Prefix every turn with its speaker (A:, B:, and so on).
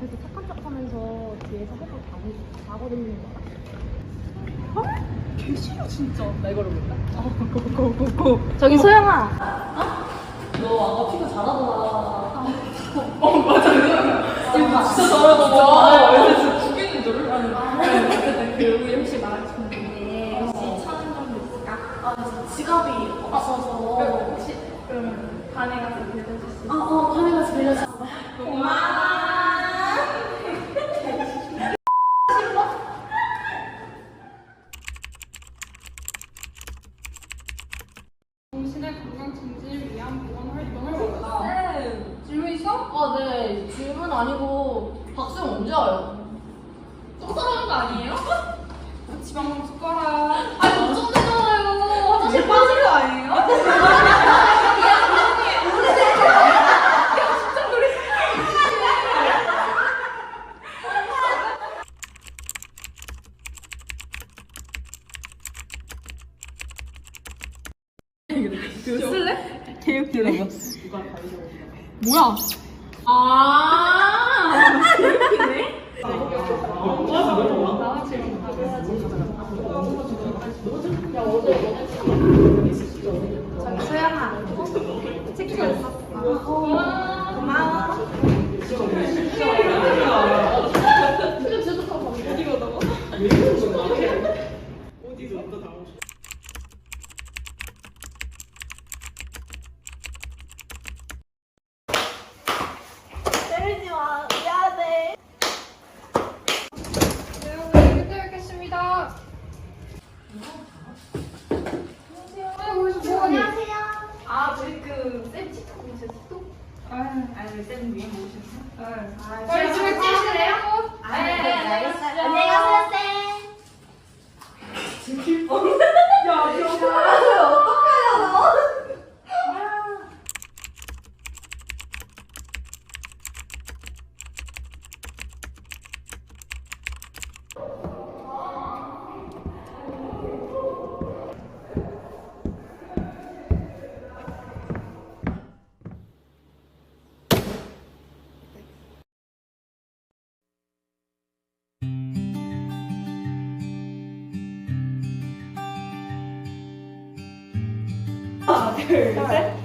A: 앞에서 착한 척하면서 뒤에서 해서 가고 다니는 거야. 어? 개 싫어 진짜. 나 이거를 볼까? 고고고고. 저기 소영아.
B: 너 아까 피부 잘하더라.
A: 맞아.
B: 진짜 잘하더라. 진짜
A: 죽이는 줄 알았는데.
B: 그 혹시 말해주면 데 혹시 1,000원 정도 있을까? 아, 지갑이 없어서 혹시 그러면 반에 가서 빌려줄 수 있어? 반에 가서 빌려줘. 고마워.
C: 당신의 건강 증진을 위한 보건 활동을 원한다. 질문 있어?
B: 네. 질문 아니고 박수영 언제 와요?
C: 또 따라하는 거 아니에요? 지방 숟가락.
B: 아니, 걱정되잖아요. 화장실 빠진 거 아니에요?
A: 그거 쓸래? 개육 들어봐.
C: 뭐야?
B: 이렇게네?
A: 저기 소영아. 치킨 있어? 고마워. 때리지 마. 미안해.
C: 네, 오늘 끝내 뵙겠습니다. 안녕하세요. 뭐 하니?
B: 저희 쌤 틱톡 보셨어?
C: 아유,
B: 쌤 위에 모셨어?
C: 빨리 집에 찍으실래요?
B: 네, 알겠어요.
A: 안녕히 가세요, 쌤.
B: 둘, 셋.